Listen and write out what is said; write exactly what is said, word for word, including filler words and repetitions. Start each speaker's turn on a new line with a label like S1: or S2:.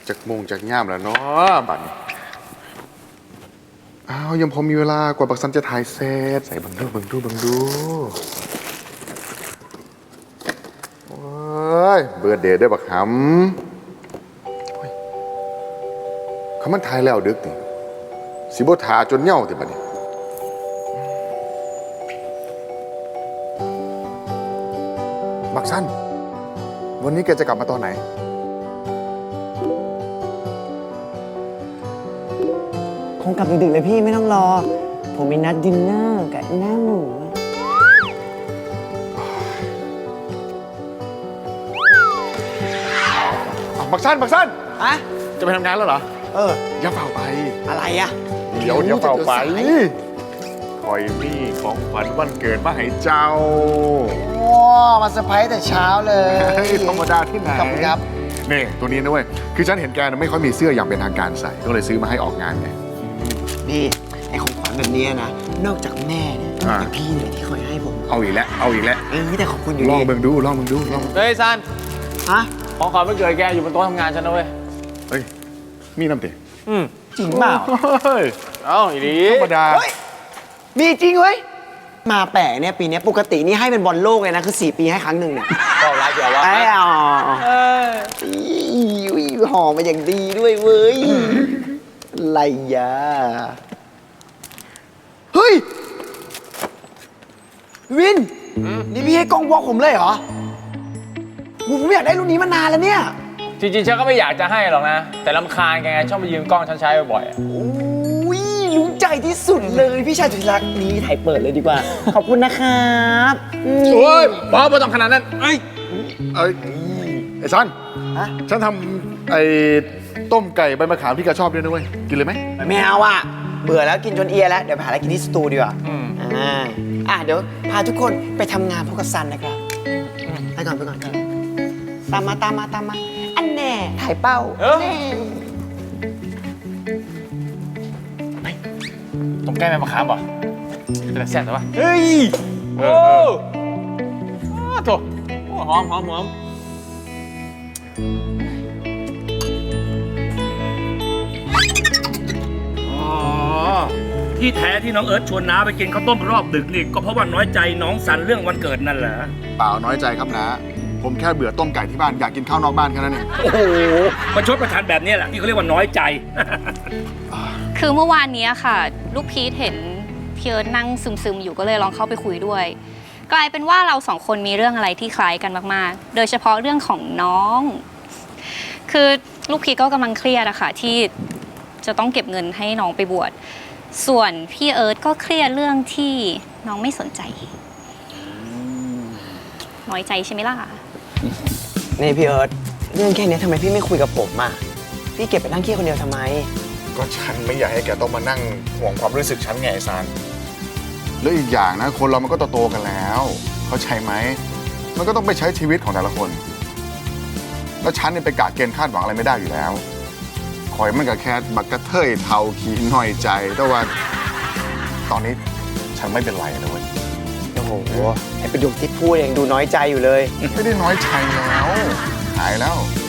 S1: จากโมงจากย่ามแล้วเนาะบัดนี้อ้าวยังพอมีเวลากว่าบักซันจะถ่ายเสร็จใส่บังดูบังดูบังดูโอ้ยเบิร์ดเดย์ได้บักหำโอ้ยเขามันถ่ายแล้วดึกนี่สิบ่ทาจนเหย่าติบัดนี้บักซันวันนี้แกจะกลับมาตอนไหน
S2: คงกลับดึกๆเลยพี่ไม่ต้องรอ ผมมีนัดดินเนอร์กับหน้าหมู
S1: บักซันบักซัน
S2: อะ
S1: จะไปทำงานแล้วเหรอ
S2: เออ
S1: อย่าเฝ้าไป
S2: อะไรอะ
S1: เดี๋ยวเดี๋ยวเฝ้าไปคอยมีของขวัญวันเกิดมาให้เจ้า
S2: โอ้มาเซอร์ไพรส์แต่เช้าเลย
S1: เฮ้ยธรรมดาที่ไหน
S2: ขอบคุณครับ
S1: นี่ตัวนี้นะเว้ยคือฉันเห็นแกไม่ค่อยมีเสื้ออย่างเป็นทางการใส่ก็เลยซื้อมาให้ออกงานไง
S2: นี่ไอของขวัญแบบนี้นะนอกจากแม่เนี่ย
S1: อ่า
S2: แต่พี่เนี่ยที่คอยให้ผม
S1: เอาอีกแล้วเอาอีกแล้ว
S2: เออแต่ขอบคุณอยู่
S1: ลอง
S2: ดี
S1: เบิ่งดูลองเบิ่งดูลอง
S3: เฮ้ยซัน
S2: ฮะ
S3: ของขวัญวันเกิดแกอยู่บนโต๊ะทำงานฉันนะเว้ย
S1: เฮ้ยมีน้ำเตะ
S3: อืม
S2: จริงเปล่า
S1: เฮ้ย
S3: เอ้าอีดี
S1: ธรรมดา
S2: เฮ้ยมีจริงเว้ยมาแปลกเนี่ยปีนี้ปกตินี่ให้เป็นบอลโลกเลยนะคือสี่ปีให้ครั้งหนึ่งเนี่ย
S3: ก็ร้ายเกี่ยววะ
S2: ไอ้อ๋อ
S3: เออ
S2: อุ้ยหอมมาอย่างดีด้วยเว้ยอะไรยะเฮ้ยวิน นี่พี่ให้กล้องวอลผมเลยเหรอผมอยากได้รุ่นนี้มานานแล้วเนี่ย
S3: จริงๆฉันก็ไม่อยากจะให้หรอกนะ แต่ลำคาญแกไงชอบมายืมกล้องฉันใช้บ่อยๆอะ
S2: อุ้ยรู้ใจที่สุดเลยพี่ชายสุดที่รักนี้ถ่ายเปิดเลยดีกว่า ขอบคุณนะครับอืม
S3: โอ้ยบอสไม่ต้องขนาดนั้นเอ้ย
S1: เอ้ยไอ้ซัน
S2: ฮะ
S1: ฉันทำไอ้ต้มไก่ใบมะขามที่แกชอบด้วยนะเว้ยกินเลยไหม
S2: ไม่เอาอ่ะเบื่อแล้วกินจนเอียแล้วเดี๋ยวไปหาอะไรกินที่สตูดีกว่า
S3: อืม
S2: อ่าอ่ะเดี๋ยวพาทุกคนไปทำงานพบกับซันนะครับไปก่อนไปก่อนครับตามมาตามมาตามมา อันแน่ถ่ายเป้า
S3: เออ
S2: แน่
S3: ต้องแก้แม่มะขามป่ะเป็นแซ่บแต่ว่า
S2: เฮ้ย
S3: โอ้อ้าวโถโอ้หอมหอมหอม
S4: อ๋อที่แท้ที่น้องเอิร์ธชวนน้าไปกินข้าวต้มรอบดึกนี่ก็เพราะว่าน้อยใจน้องสันเรื่องวันเกิดนั่นแหละ
S1: เปล่าน้อยใจครับนะผมแค่เบื่อต้มไก่ที่บ้านอยากกินข้าวนอกบ้านแค่นั้นเอง
S4: โอ้โหประชดประทานแบบนี้แหละที่เขาเรียกว่าน้อยใจ
S5: คือเมื่อวานนี้ค่ะ ลูกพีทเห็นพี่เอิร์ธนั่งซึมๆอยู่ก็เลยลองเข้าไปคุยด้วย กลายเป็นว่าเราสองคนมีเรื่องอะไรที่คล้ายกันมากๆ โดยเฉพาะเรื่องของน้อง คือลูกพีทก็กำลังเครียดอะค่ะที่จะต้องเก็บเงินให้น้องไปบวชส่วนพี่เอิร์ธก็เครียดเรื่องที่น้องไม่สนใจน้อยใจใช่ไหมล่ะ
S2: นี่พี่เอิร์ธเรื่องแค่นี้ทำไมพี่ไม่คุยกับผมอ่ะพี่เก็บไปนั่งเครียดคนเดียวทำไม
S1: ก็ฉันไม่อยากให้แกต้องมานั่งห่วงความรู้สึกฉันไงไอ้ซันแล้วอีกอย่างนะคนเรามันก็โตๆกันแล้วเข้าใจไหมมันก็ต้องไปใช้ชีวิตของแต่ละคน แล้วฉันเนี่ยไปกะเกณฑ์คาดหวังอะไรไม่ได้อยู่แล้วคอยมันก็แค่บักกระเทยเทาขี้หน่อยใจแต่ว่าตอนนี้ฉันไม่เป็นไรนะเว้ย
S2: โอ้โหไอประโยคที่พูดยังดูน้อยใจอยู่เลย
S1: ไม่ได้น้อยใจแล้วหายแล้ว